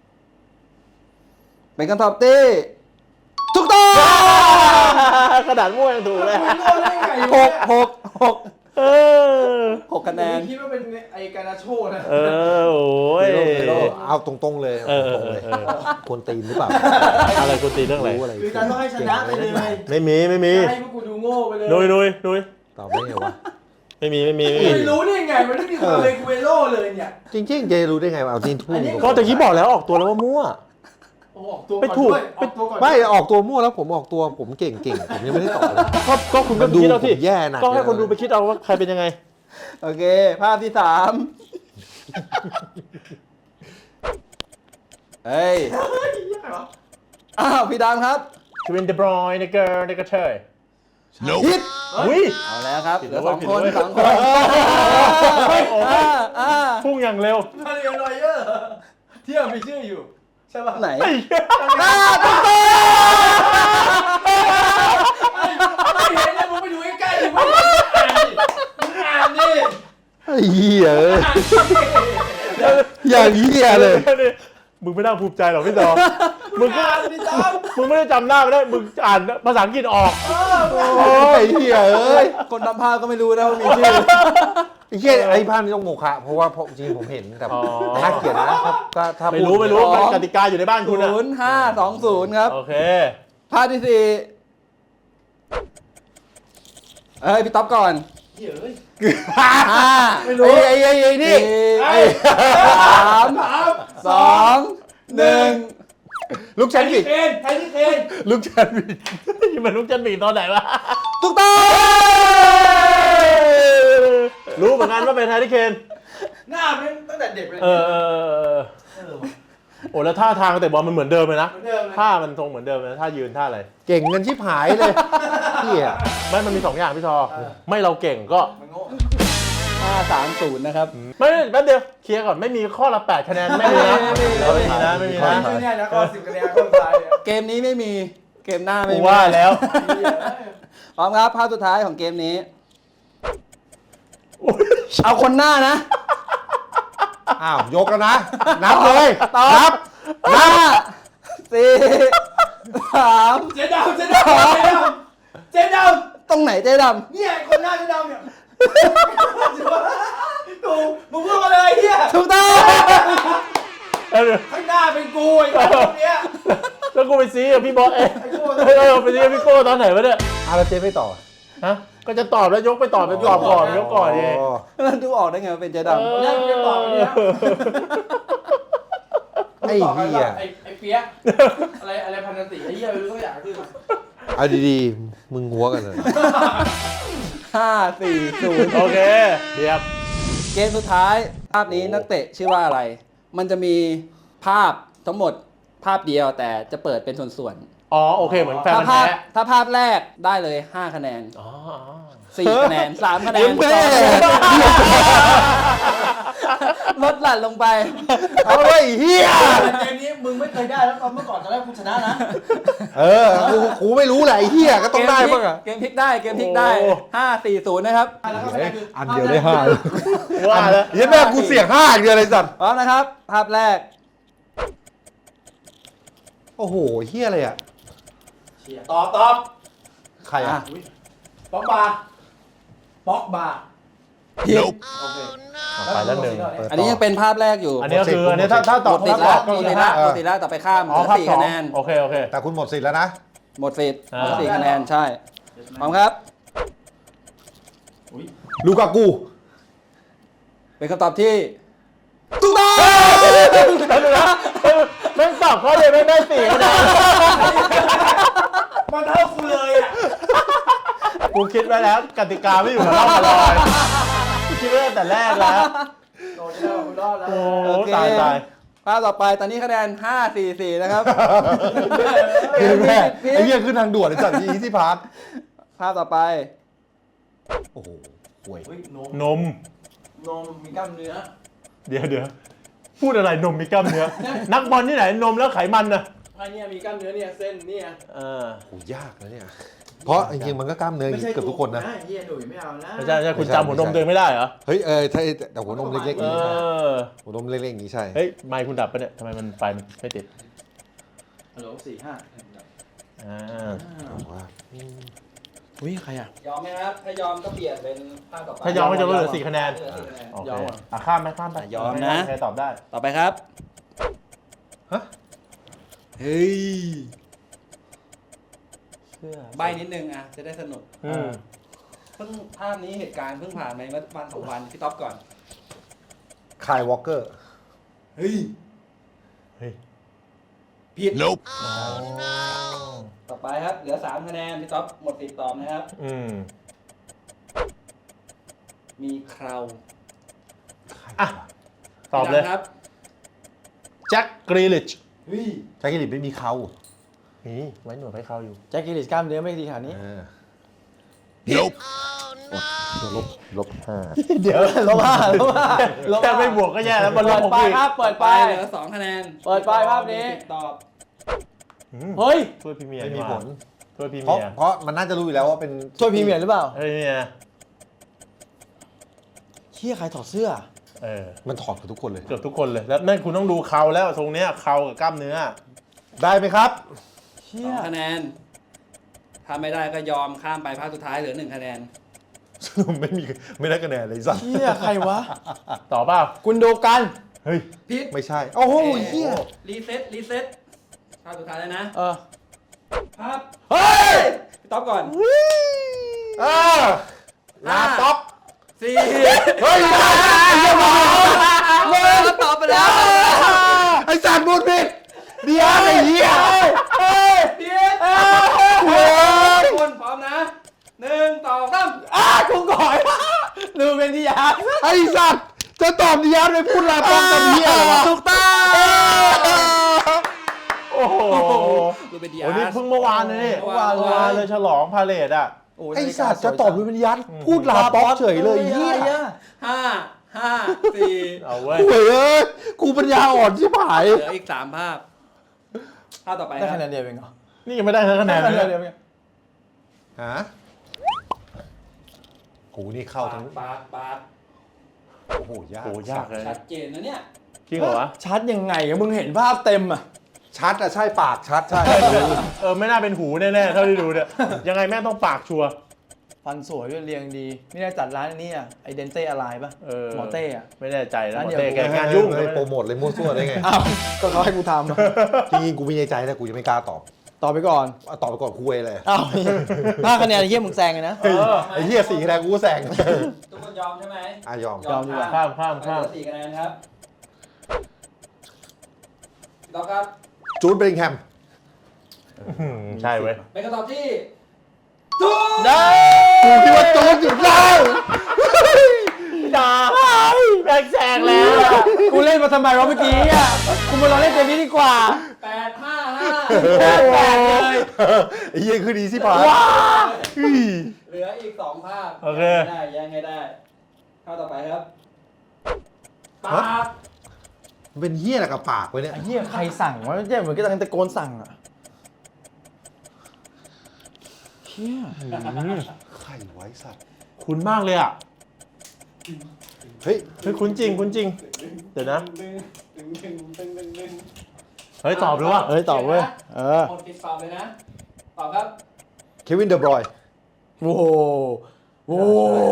[SPEAKER 1] เป็นคำตอบที่ถูกต้อง
[SPEAKER 3] ขนาดมั่วยังถูกเลย
[SPEAKER 4] มึงโง่ได้ไง
[SPEAKER 1] หกหกหก
[SPEAKER 3] เออ
[SPEAKER 1] หกคะแนน
[SPEAKER 4] คิดว่าเป็นไอ้การาโชนะ
[SPEAKER 3] เออโอ้ย
[SPEAKER 2] เอาตรงๆเลย
[SPEAKER 3] เออเอ
[SPEAKER 2] ตรง
[SPEAKER 3] อ
[SPEAKER 2] ๆเลย
[SPEAKER 3] เออ
[SPEAKER 2] ควรตีนหรือเปล่า
[SPEAKER 3] อะไรกูตีเรื่องอะไร
[SPEAKER 2] รู้อะไร
[SPEAKER 4] คือการต้องให้ชนะไปเลย
[SPEAKER 3] ไม่มีไม่มี
[SPEAKER 4] ให้พวกกูดูโง่ไปเลย
[SPEAKER 3] นุยนุยนุย
[SPEAKER 2] ตอบได้ไงวะ
[SPEAKER 3] ไม่มีไม่มีไม่มี
[SPEAKER 4] มันรู้ได้ไงมันไม่มีความเลกูเอโร่เลยเนี่ย
[SPEAKER 2] จริงๆเจรู้ได้ไงวะเอาจริงทุ่
[SPEAKER 4] อั
[SPEAKER 2] ง
[SPEAKER 4] นนี้
[SPEAKER 3] ก็ตะกี้บอกแล้วออกตัวแล้วว่ามั่ว
[SPEAKER 4] โอ้ออกตัว
[SPEAKER 3] ไป
[SPEAKER 4] ก่อน
[SPEAKER 3] ถูก
[SPEAKER 4] ด้วยออกตัวก่อน
[SPEAKER 2] ไม่ออกตัวมั่วแล้วผมออกตัวผมเก่งเก่งผมยังไม่ได้ตอบเลย
[SPEAKER 3] ก็ก็คุณก็
[SPEAKER 2] มันดู
[SPEAKER 3] คิดเอาที่
[SPEAKER 2] ผมแย่หนัก
[SPEAKER 3] ก็ให้
[SPEAKER 2] เลย
[SPEAKER 3] คนดูไปคิดเอาว่าใครเป็นยังไง
[SPEAKER 1] โอเค ภาพที่สามเฮ้ย อ้าว พี่ดำครับ
[SPEAKER 3] ทวินเดบรอยน์เนเกอร์เนเกอร์เชย
[SPEAKER 1] ผิด
[SPEAKER 3] อุ้ย
[SPEAKER 1] เอาแล้วครับ
[SPEAKER 3] ผิด
[SPEAKER 1] เหลือ
[SPEAKER 3] แล้ว
[SPEAKER 1] สอง
[SPEAKER 3] ผิด
[SPEAKER 1] คน
[SPEAKER 3] แล้ว
[SPEAKER 1] สองคนอ่าอ่า
[SPEAKER 3] พุ่งอย่างเร็ว
[SPEAKER 4] มาเรียนรอยเยอร์ที่ยังมีชื่ออยู่ใช่ป่ะ
[SPEAKER 1] ไหน
[SPEAKER 3] ไอ้เหี้ย
[SPEAKER 1] อ่าถูกต้อง
[SPEAKER 4] ไม่เห็นเลยมึงไปดูใกล้ๆดิมึงอ่านดิ
[SPEAKER 2] ไอ้เหี้ยเอ้ยอย่างเหี้ยเลย
[SPEAKER 3] มึงไม่น่าภูมิใจหรอกพี่ต่อมึงก็
[SPEAKER 4] อ่านดิจ๊อบ
[SPEAKER 3] มึงไม่ได้จำหน้าไม่ได้ มึงอ่านภาษาอังกฤษออก
[SPEAKER 2] โอ้ยเหี้ยเอ้ย
[SPEAKER 1] คนทำภาพก็ไม่รู้นะว่ามีชื่อ
[SPEAKER 2] ไอ้เหี้ยไอ้ภาพนี้ต้องโมฆะเพราะว่าเพราะจริงๆผมเห็นแต่
[SPEAKER 3] อ๋อ
[SPEAKER 2] ถ้าเขียนนะก็ถ้า
[SPEAKER 3] ไม่
[SPEAKER 2] พูด
[SPEAKER 3] รู้ไม่รู้
[SPEAKER 1] อ๋อ
[SPEAKER 3] กติกาอยู่ในบ้านคุณอะ
[SPEAKER 1] ศูนย์ห้าสองศูนย์ครับ
[SPEAKER 3] โอเค
[SPEAKER 1] ภาพที่สี่เอ้ย พี่ต๊อบก่อน
[SPEAKER 4] เหี้ยเอ้ย
[SPEAKER 1] ห้า
[SPEAKER 2] ไม่รู้ไอ้ไอ้ไอ้นี่
[SPEAKER 1] สี่สามสองหนึ่ง
[SPEAKER 2] ลูก
[SPEAKER 4] ไท
[SPEAKER 2] ชั้น
[SPEAKER 4] ย
[SPEAKER 2] ผิ
[SPEAKER 4] ที่
[SPEAKER 2] ด
[SPEAKER 4] เคนไทยที่เคน
[SPEAKER 3] ลูกจันทร์บีนี่มันลูกจันทร์บีตอนไหนวะ
[SPEAKER 1] ถูกต้อง
[SPEAKER 3] รู้เหมือนกันว่าเป็นแฮร์รี่เคน
[SPEAKER 4] หน้าเป็นตั้งแต่เด็กเลย
[SPEAKER 3] เออเออเออเออ
[SPEAKER 4] เออ
[SPEAKER 3] โอ้แล้วท่าทางเตะบอลมันเหมือนเดิมเลยนะ
[SPEAKER 4] เหมือนเดิมเลย
[SPEAKER 3] ท่ามันทรงเหมือนเดิมเลยนะท่ายืนท่าอะไร
[SPEAKER 2] เก่งเงินชิบหายเลยเหี้ย
[SPEAKER 3] ไม่มันมีสองอย่างพี่ทอ ไม่เราเก่งก็
[SPEAKER 4] มันโง่
[SPEAKER 1] ห้าสามศูนย์นะครับ
[SPEAKER 3] ไม่แป๊บเดียวเคลียร์ก่อนไม่มีข้อละแปดคะแนนไม่มีนะ
[SPEAKER 1] ไม่มี
[SPEAKER 3] ไม่มีนะไม่มีนะ
[SPEAKER 4] ไม่แน่นะก็สิบคะแนนคนซ้ายเนี่ย
[SPEAKER 1] เกมนี้ไม่มี เกมหน้าไม่
[SPEAKER 3] กู
[SPEAKER 1] มี
[SPEAKER 3] ว่าแล้ว
[SPEAKER 4] เหี้ยเอ้ย
[SPEAKER 1] พร้อมครับภาพสุดท้ายของเกมนี้ เอาคนหน้านะ
[SPEAKER 2] อ้าวยกแล้วนะ นับเลย
[SPEAKER 1] ตอบ
[SPEAKER 2] นับ
[SPEAKER 1] ห้าสี่สาม
[SPEAKER 4] เจ๊ดำเจ๊ดำเจ๊ดำเจ๊ด
[SPEAKER 1] ตรงไหนเจ๊ด
[SPEAKER 4] ำเนี่ยคนหน้าเจ๊ดำเนี่ยถูกมึงพูดมาเลยเฮีย
[SPEAKER 1] ำถูกต้อง
[SPEAKER 3] เออ
[SPEAKER 4] ข้างหน้าเป็นกูไอ้คนเนี้ย
[SPEAKER 3] แล้วกูไปซีกับพี่บอสเอง
[SPEAKER 4] ไอ้โก้
[SPEAKER 3] เออไปซีกับพี่โก้ตอนไหนวะเนี่ย
[SPEAKER 2] อาราเจไม่ต่อ
[SPEAKER 3] ฮะก็จะตอบแล้วยกไปตอบไปตอบก่อนยกก่อนเอง
[SPEAKER 2] อ๋อ
[SPEAKER 1] แล้วดูออกได้ไงว่าเป็นเจ๊ดำ
[SPEAKER 4] เนี่ยมึงจะตอบไปเนี่ย
[SPEAKER 2] ไอ้เหี้ย
[SPEAKER 4] ไอ้ไอ้เปี๊ยกอะไรอะไรพันธติไอ้เหี้ยไม่รู้ตัวอย่างคือ
[SPEAKER 2] เอาดีๆ มึงหัวกันเลย
[SPEAKER 1] ห้าสี่ศูนย์
[SPEAKER 3] โอเคเรียบ
[SPEAKER 1] เกมสุดท้าย ภาพนี้นักเตะชื่อว่าอะไร มันจะมีภาพทั้งหมดภาพเดียวแต่จะเปิดเป็นส่วน
[SPEAKER 3] อ๋อโอเคเหมือน
[SPEAKER 1] ๆ
[SPEAKER 3] แฟน
[SPEAKER 1] ถ้า
[SPEAKER 3] มัน
[SPEAKER 1] ภาพ
[SPEAKER 3] แท้
[SPEAKER 1] ถ้าภาพแรกได้เลยห้าคะแนน
[SPEAKER 3] อ๋อ
[SPEAKER 1] สี่คะแนนสามคะแนน
[SPEAKER 2] แม่
[SPEAKER 1] ลดหลั่นลงไป
[SPEAKER 2] เอาเลยเฮีย
[SPEAKER 4] เกมนี้มึงไม่เคยได้แล้วตอนเมื่อก่อนตอนแรกกูชนะนะ
[SPEAKER 2] เออ กูกูไม่รู้แหละไอ้เฮียก็ต้องได้บ้างอะ
[SPEAKER 1] เกมพลิกได้เกมพลิกได้ห้าสี่ศูนย์นะครับ
[SPEAKER 2] อันเดียวได้ห้า
[SPEAKER 3] ว่าแล้ว
[SPEAKER 2] เหี้ยันแม่กูเสี่ยงห้าอย่างเดียวเลยสัตว์
[SPEAKER 1] พร้อมนะครับ ภาพแรก
[SPEAKER 2] โอ้โหเฮียอะไรอ่ะ
[SPEAKER 4] ตอบตอบ
[SPEAKER 2] ใครอ่ะ
[SPEAKER 4] ป๊อกบาร์ป๊อกบาร์
[SPEAKER 1] ผิด
[SPEAKER 4] โอเค
[SPEAKER 3] ไปแล้วหนึ่ง
[SPEAKER 1] อันนี้ยังเป็นภาพแรกอยู่
[SPEAKER 3] อันนี้ก็คืออันนี้ถ้าถ้าตอบ
[SPEAKER 1] ติด
[SPEAKER 3] ถ้าต
[SPEAKER 1] แล้
[SPEAKER 3] อ
[SPEAKER 1] ว
[SPEAKER 3] บก็
[SPEAKER 1] ติ
[SPEAKER 3] คือ
[SPEAKER 1] ดแล้ว
[SPEAKER 3] ห้า
[SPEAKER 1] ติดแล้วต่อไปข้ามเห
[SPEAKER 3] อ๋อ
[SPEAKER 1] ลือ
[SPEAKER 3] ภาพ
[SPEAKER 1] สี่
[SPEAKER 3] สอง
[SPEAKER 1] คะแนน
[SPEAKER 3] โอเคโอเค
[SPEAKER 2] แต่คุณหมดสิทธิ์แล้วนะ
[SPEAKER 1] หมดสิทธิ์
[SPEAKER 3] อ่า
[SPEAKER 1] เหลือสี่คะแนนใช่พร้อมครับ
[SPEAKER 2] ลูกากู
[SPEAKER 1] เป็นคำตอบที่ถูกต้อง
[SPEAKER 3] แล้วดูนะแม่งตอบข้อเดียวแม่งได้สี่คะแนน
[SPEAKER 4] มันเท่ากูเลยอ่ะ
[SPEAKER 3] กูคิดไว้แล้วกติกาไม่อยู่กับเราตลอดกูคิดไว้ตั้งแต่แรกแล้ว
[SPEAKER 4] โดนแล้วกูรอดแล้ว
[SPEAKER 3] โอ้ตายตาย
[SPEAKER 1] ภาพต่อไปตอนนี้คะแนนห้าสี่สี่นะครับ
[SPEAKER 2] คือแม่
[SPEAKER 1] ผิด
[SPEAKER 2] ไอ้เหี้ยขึ้นทางด่วนไอ้สัตว์อีซี่พาร์ท
[SPEAKER 1] ภาพต่อไป
[SPEAKER 2] โอ้โหห่วย
[SPEAKER 4] เฮ้ยนม
[SPEAKER 3] นม
[SPEAKER 4] นมมีกล้ามเนื้อ
[SPEAKER 3] เดี๋ยวเดี๋ยวพูดอะไรนมมีกล้ามเนื้อ นักบอลที่ไหนนมแล้วไขมันนะ
[SPEAKER 4] ไอ้เนี่ยมีกล้ามเนื้อเนี่ยเส้นเนี่ย
[SPEAKER 3] เออ
[SPEAKER 2] โหยากนะเนี่ย เพราะจริงๆมันก็กล้ามเนื้อเกือบทุกคนนะ
[SPEAKER 4] เฮียหนุ่ยไม่เอานะ
[SPEAKER 3] ไม่ใช่ไม่ใช่คุณจำหัวนมตัวเองไม่ได้เหรอ
[SPEAKER 2] เฮ้ยเออถ้าแต่หัวนมเล็กๆอ
[SPEAKER 3] เอย่าง
[SPEAKER 2] นี้ใช่
[SPEAKER 3] อ
[SPEAKER 2] หัวนมเล็กๆอย่างนี้ใช่
[SPEAKER 3] เฮ้ยไมค์คุณดับปะเนี่ยทำไมมันไฟมันไม่ติด
[SPEAKER 4] ฮัลโหลสี่ห้า
[SPEAKER 3] อ่า
[SPEAKER 2] ว่า
[SPEAKER 3] อุ้ยใครอ่ะ
[SPEAKER 1] ยอมไหมครับ ถ้ายอมก็เปลี่ยนเป็นภาพต่อไป
[SPEAKER 3] ถ้ายอมก็จะเหลือสี่คะแนน
[SPEAKER 1] เหลือสี่คะแนน
[SPEAKER 3] โอเคอ่ะข้ามไหมข้ามไป
[SPEAKER 1] ยอมนะ
[SPEAKER 3] ใครตอบได้
[SPEAKER 1] ต่อไปครับ
[SPEAKER 2] ฮะ
[SPEAKER 1] เฮ้ย
[SPEAKER 3] เชื่อ
[SPEAKER 1] ใบนิดนึงอ่ะ จะได้สนุก
[SPEAKER 3] อืม
[SPEAKER 1] เพิ่งภาพนี้เหตุการณ์เพิ่งผ่านมาเมื่อวันสองวันพี่ท็อปก่อน
[SPEAKER 2] คายวอลเกอร์
[SPEAKER 1] เฮ้ย
[SPEAKER 3] เฮ้ย
[SPEAKER 1] ผิด
[SPEAKER 2] Nope
[SPEAKER 1] ต่อไปครับ เหลือสามคะแนนพี่ท็อปหมดสิทธิ์ตอบนะครับ
[SPEAKER 3] อืม
[SPEAKER 1] มีเคราว
[SPEAKER 3] อ่ะตอบเลย
[SPEAKER 1] ครับ
[SPEAKER 3] แจ็คกรีลิช
[SPEAKER 4] เฮ้ย
[SPEAKER 2] แจ็คกิลิตไม่มีเขา
[SPEAKER 3] นี่ไว้หนวดให้เขาอยู่
[SPEAKER 4] แจ็คกิลิสกล้ามเนื้อไม่ดีขนาดนี้
[SPEAKER 2] เออ
[SPEAKER 3] ลบลบห้า
[SPEAKER 4] เดี๋ยวลบห้าลบห้าลบ
[SPEAKER 3] แค่
[SPEAKER 4] ห้า
[SPEAKER 3] ไม่บวกก็แย่แล้วมันล
[SPEAKER 4] เปิ
[SPEAKER 3] บ
[SPEAKER 4] ด
[SPEAKER 3] ผม
[SPEAKER 4] ไป
[SPEAKER 3] อีก
[SPEAKER 4] ครับเปิด
[SPEAKER 1] ไป
[SPEAKER 4] ไป
[SPEAKER 1] เหลือสองคะแนน
[SPEAKER 4] เปิดไปภาพนี้
[SPEAKER 1] ตอบ
[SPEAKER 4] เฮ้ย
[SPEAKER 3] ถ้วยพรีเมียร์
[SPEAKER 2] ไม่มี
[SPEAKER 3] นี่ห
[SPEAKER 2] ผ
[SPEAKER 3] ว่า
[SPEAKER 2] ล
[SPEAKER 3] ถ้วยพรี
[SPEAKER 2] เพราะ
[SPEAKER 3] เมียร์
[SPEAKER 2] เพราะมันน่าจะรู้อยู่แล้วว่าเป็น
[SPEAKER 4] ช่วยพรีเมียร์หรือเปล่า
[SPEAKER 3] เฮ้ยเนี่ย
[SPEAKER 4] เชี่ยใครถอดเสื้อ
[SPEAKER 3] เออ
[SPEAKER 2] มันถอดกับทุกคนเลย
[SPEAKER 3] เกือบทุกคนเลยแล้วนั่นคุณต้องดูเขาแล้วทรงเนี้ยเขากับกล้ามเนื้อ
[SPEAKER 2] ได้ไหมครับ
[SPEAKER 4] เชี่
[SPEAKER 1] ส
[SPEAKER 4] ย
[SPEAKER 1] องคะแนน ถ้าไม่ได้ก็ยอมข้ามไปภาคสุดท้ายเหลือหนึ่งคะแนน
[SPEAKER 2] ไม่มีไม่ได้คะแนนเลยสัก
[SPEAKER 4] เชี่ยใครวะ
[SPEAKER 3] ต่อเปล่า
[SPEAKER 4] คุณดูกัน
[SPEAKER 3] เฮ้ย
[SPEAKER 1] พิษ
[SPEAKER 2] ไม่ใช่ โอ้โหเฮีย
[SPEAKER 1] รีเซ็ตรีเซ็ตภาพสุดท้ายแล้วนะ
[SPEAKER 4] เออ
[SPEAKER 1] ภาพ
[SPEAKER 4] เฮ้ย
[SPEAKER 1] พี่ต๊อบก่อน
[SPEAKER 2] อ่าลาต็อป
[SPEAKER 1] สี่
[SPEAKER 2] เฮ้ย
[SPEAKER 1] เมื่อตอบไปแล้ว
[SPEAKER 2] ไอ้สัตว์บูดผิดเดี๋ยวไอ้เหี้ย
[SPEAKER 1] พิษทุกคนพร้อมนะหนึ่งสองสาม
[SPEAKER 4] อ้าคุณก่อยลืมเป็นที่ยา
[SPEAKER 2] ไอ้สัตว์จะตอบเดียวเลยพูดลาต็อปกับเหี้ยเหรอวะ
[SPEAKER 4] ถูกต้อง
[SPEAKER 3] โอ้โห
[SPEAKER 1] ดูเป็นดี
[SPEAKER 3] โอ้
[SPEAKER 1] อาร์
[SPEAKER 3] นี่เพิ่งเมื่อวานเลยนี่
[SPEAKER 1] เมื่อวาน
[SPEAKER 3] เมื่อวานเลยฉลองพาเลทอ่ะ
[SPEAKER 2] ไอ้สัตว์จะตอบเป็นยัดพูดลาต็อปเฉยเลยไอ้เหี้ย
[SPEAKER 1] ห้าห้าสี่
[SPEAKER 3] เอาเว้ย
[SPEAKER 2] เฮ้ยกูปัญญาอ่อนชิบหาย
[SPEAKER 1] เหลืออีกสามภาพ ภาพต่อไปค
[SPEAKER 4] ได้
[SPEAKER 1] รับ
[SPEAKER 4] คะแนนเดียวเองเหรอ
[SPEAKER 3] นี่ยังไม่ได้ทั้งคะแนน
[SPEAKER 4] ได้
[SPEAKER 3] เล
[SPEAKER 4] คะแนน
[SPEAKER 3] ย
[SPEAKER 4] เดียวเอง
[SPEAKER 2] ฮะกูนี่เข้าทั้ง
[SPEAKER 1] ปากปาก
[SPEAKER 2] โอ้โหยาก
[SPEAKER 3] โอ้ยากเลย
[SPEAKER 1] ชัดเจนนะเนี่ย
[SPEAKER 3] จริงเหรอวะ
[SPEAKER 4] ชัดยังไงอะมึงเห็นภาพเต็มอะ
[SPEAKER 2] ชัดอะใช่ปากชัดใช่
[SPEAKER 3] เออไม่น่าเป็นหูแน่ๆเท่าที่ดูเนี่ยยังไงแม่งต้องปากชัวร์
[SPEAKER 4] ฟันสวยด้วยเรียงดี ไม่ได้จัดร้านนี้อะไอเดนเต้อะไรป่ะ
[SPEAKER 3] เออ
[SPEAKER 4] หมอเต้อะ
[SPEAKER 3] ไม่แน่ใจนะ
[SPEAKER 4] ร้าน
[SPEAKER 3] หมอ
[SPEAKER 4] เดียว
[SPEAKER 3] เต้แก
[SPEAKER 2] แก
[SPEAKER 3] งานยุ่ง
[SPEAKER 2] เลยโปรโมทเลยมั่วซั่วได้ไง
[SPEAKER 4] อ้าวก็เขาให้กูทำอะ
[SPEAKER 2] จริงๆกูมีในใจแต่กูยังไม่กล้าตอบ
[SPEAKER 4] ตอบไปก่อน
[SPEAKER 2] เอาตอบไปก่อนคุยเลย
[SPEAKER 4] อ้าวห้าคะแนนไอ้เหี้ยมึงแซงเลยนะ
[SPEAKER 3] เออ
[SPEAKER 2] ไอ้เหี้ยสี่คะแนนกูก็แซง
[SPEAKER 1] ทุกคนยอมใช่ไหม
[SPEAKER 2] อ่ะยอม
[SPEAKER 4] ยอมดีกว่า
[SPEAKER 3] ข้ามข้าม
[SPEAKER 1] ไป
[SPEAKER 3] ข้าม
[SPEAKER 1] เหลือสี่คะแนนครับต่อครับ
[SPEAKER 2] จูดเบริงแฮม
[SPEAKER 3] อืมใช่เว้ย
[SPEAKER 1] เป็นคำตอบที่ถูก
[SPEAKER 4] ได้
[SPEAKER 2] กูคิดว่าจูดอยู่แล้ว
[SPEAKER 3] ด่าแบงแซงแล้วอะ
[SPEAKER 4] กูเล่นมาทำไมวะเมื่อกี้อะกูมาลองเล่นเกมนี้ดีกว่า
[SPEAKER 1] แปดห้าห้า
[SPEAKER 4] แปดแปดเลย
[SPEAKER 2] ไอ้เหี้ยคือดีสิพาย
[SPEAKER 1] เหลืออีกสองภาพ
[SPEAKER 3] โอเค
[SPEAKER 1] ยังได้ยังไงได้ข้าต่อไปครับปาก
[SPEAKER 2] มันเป็นเหี้ยอะไรกับปากไว้เนี่ย
[SPEAKER 4] ไอ้เหี้ยใครสั่งวะเจ๊เหมือนกำลังตะโกนสั่งอะเหี้ย
[SPEAKER 2] ใครไว้สัตว์
[SPEAKER 3] คุ้นมากเลยอ่ะ
[SPEAKER 2] เฮ้ย
[SPEAKER 3] เฮ้ยคุ้นจริงคุ้นจริง เดี๋ยวนะ
[SPEAKER 1] ดึงดึงดึงดึงดึงดึง
[SPEAKER 3] เฮ้ยตอบเลยว่ะ
[SPEAKER 4] เอ้ยตอบเว้ยเออ
[SPEAKER 1] หมดปิดตอบเลยนะ ตอบครับ
[SPEAKER 2] เควินเดอบรอยน์
[SPEAKER 4] โอ้โหโอ้โห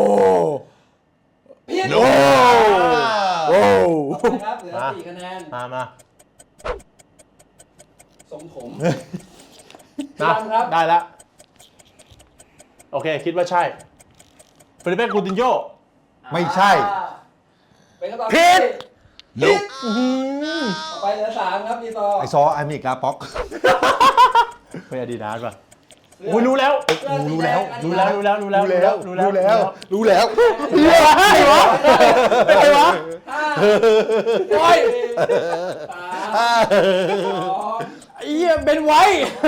[SPEAKER 1] ผิด
[SPEAKER 2] โอ้
[SPEAKER 4] โอ้
[SPEAKER 1] ต่อไปครับเหลือสี่คะแนน
[SPEAKER 3] มามา
[SPEAKER 1] สมผม
[SPEAKER 3] นะ
[SPEAKER 1] พี่ดำครับ
[SPEAKER 3] ได้แล้วโอเค คิดว่าใช่เฟลิเป้กูตินโญ่
[SPEAKER 2] ไม่ใช่
[SPEAKER 1] อ่าเป็นคำตอบ
[SPEAKER 2] ผิด
[SPEAKER 1] ผิดต่อไปเหลือสามครับพี่ต่อ
[SPEAKER 2] ไอซอไอมิกลาป็อก
[SPEAKER 3] เฮ้ยอดีตนานป่ะโอ้ยรู้แล้ว
[SPEAKER 2] รู้แล้ว
[SPEAKER 3] รู้แล้วรู้แล้วรู้แล้ว
[SPEAKER 2] รู้แล้ว
[SPEAKER 3] รู้
[SPEAKER 2] รู้
[SPEAKER 3] แล้
[SPEAKER 2] แล้ว ว รู้แล้ว
[SPEAKER 3] ใช่วะใช่วะ
[SPEAKER 1] ห้า
[SPEAKER 4] โอ้ย
[SPEAKER 1] สามสอง
[SPEAKER 4] ไอ้เหี้ยเป็นไว้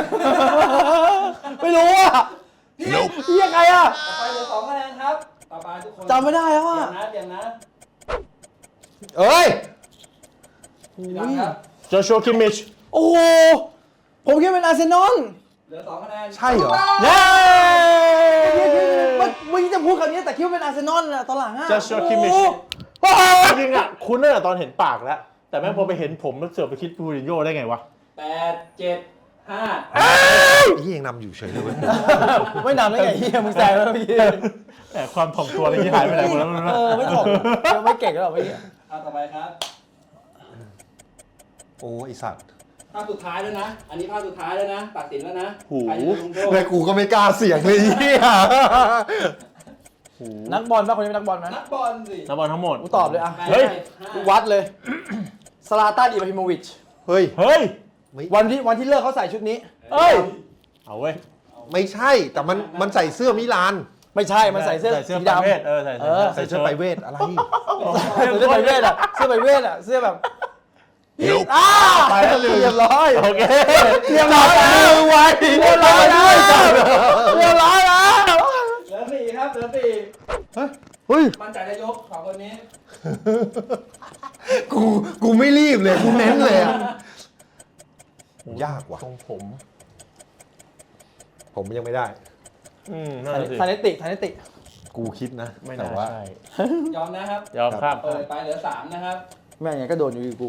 [SPEAKER 4] ไม่รู้อ่ะเหี้ยใครอ่ะ
[SPEAKER 1] ต่อไปเหลือสองคะแนนครับ ต่อไปทุกคน
[SPEAKER 4] จำไม่ได้แล้ว
[SPEAKER 1] เตรีย
[SPEAKER 4] อ่ะ
[SPEAKER 1] มนะเตรียมนะ
[SPEAKER 2] เอ้ย
[SPEAKER 1] พี่ดำครับ
[SPEAKER 3] โจชัวคิมมิช
[SPEAKER 4] โอ้โหผมคิดเป็นอาร์เซนอล
[SPEAKER 1] เหลือสองคะแนน
[SPEAKER 2] ใช่เหรอ
[SPEAKER 3] เย้
[SPEAKER 4] เมื่อกี้จะพูดคำนี้แต่คิดว่าเป็นอาร์เซนอลอะตอนหลังอะ
[SPEAKER 3] โจชัวคิมมิช
[SPEAKER 4] โอ้โห
[SPEAKER 3] จริงๆอ่ะคุ้นตั้งแต่ตอนเห็นปากแล้ว แต่แม่งพอไปเห็นผมแล้วเสือกไปคิดปูรินโญ่ได้ไงวะ
[SPEAKER 1] แปดเจ็ดห้า
[SPEAKER 2] ไอ้เหี้ยยังนำอยู่เฉยเลยเว้ย
[SPEAKER 4] ไม่นำได้ไงเฮียมึงแซงแล้วเมื่อกี้
[SPEAKER 3] แต่ความถ่อมตัวอะไรที่หายไปไหนหมดแล้วไม่รู้
[SPEAKER 4] เอ
[SPEAKER 3] นะ
[SPEAKER 4] อไม่ถกไม่เก่งแล้วเมื่อกี้
[SPEAKER 1] เอาต่อไปครับ
[SPEAKER 2] โอ้ไอสัตว์
[SPEAKER 1] ภาพสุดท้ายแล้วนะ อันนี้ภาพสุดท้ายแล้วนะ ตัดสินแล้วนะ
[SPEAKER 3] หู
[SPEAKER 1] ใครจะลงโทษ
[SPEAKER 2] แม่กูก็ไม่กล้าเสี่ยงเลยไอ้เหี้ย
[SPEAKER 4] นักบอลป่ะคนนี้เป็นนักบอลไหม
[SPEAKER 1] นักบอลสิ
[SPEAKER 3] นักบอลทั้งหมด
[SPEAKER 4] กูตอบเลยอะ
[SPEAKER 3] เฮ้ย
[SPEAKER 4] กูวัดเลยซาลาตันอิบราฮิโมวิช
[SPEAKER 2] เฮ้ย
[SPEAKER 3] เฮ้ย
[SPEAKER 4] วันที่วันที่เลิกเขาใส่ชุดนี้
[SPEAKER 3] เอ้ย เอาเว้ย
[SPEAKER 2] ไม่ใช่ แต่มันมันใส่เสื้อมิลาน
[SPEAKER 4] ไม่ใช่มันใส่เสื้อ
[SPEAKER 3] ใส่เสื้อ
[SPEAKER 4] สี
[SPEAKER 3] ไป
[SPEAKER 4] ดำ
[SPEAKER 3] เวทเออใส่
[SPEAKER 4] เออ
[SPEAKER 2] ใส่เสื้อไปเวทอะไร
[SPEAKER 4] ใส่เสื้อไปเวทอะเสื้อไปเวทอะเสื้อแบบ
[SPEAKER 2] อ้าไปแล้วลืม
[SPEAKER 1] เรียบร้อย
[SPEAKER 3] โอเค
[SPEAKER 1] เรียบร้อยแล้ว
[SPEAKER 2] มือไว
[SPEAKER 1] เรียบร้อยแล้วเรียบร้อยแล้ว
[SPEAKER 4] เหลือสี่ครับเหลือสี่
[SPEAKER 1] เฮ้ย
[SPEAKER 4] มั่นใจจะยกสองคนนี้
[SPEAKER 2] กูกูไม่รีบเลยกูเน้นเลยอะยากว่ะ
[SPEAKER 3] ทรงผม
[SPEAKER 2] ผมยังไม่ได้
[SPEAKER 3] อืมนั่นแหละสิ
[SPEAKER 1] ทานิติทานิติ
[SPEAKER 2] กูคิดนะ
[SPEAKER 3] ไม่
[SPEAKER 2] แต่
[SPEAKER 3] น่า
[SPEAKER 2] ว่า
[SPEAKER 3] ใช่
[SPEAKER 4] ยอมนะครับ
[SPEAKER 3] ยอมครับ
[SPEAKER 4] เปิดไปเหลือสามนะครับ
[SPEAKER 1] แม่งไงก็โดนอยู่ดีกู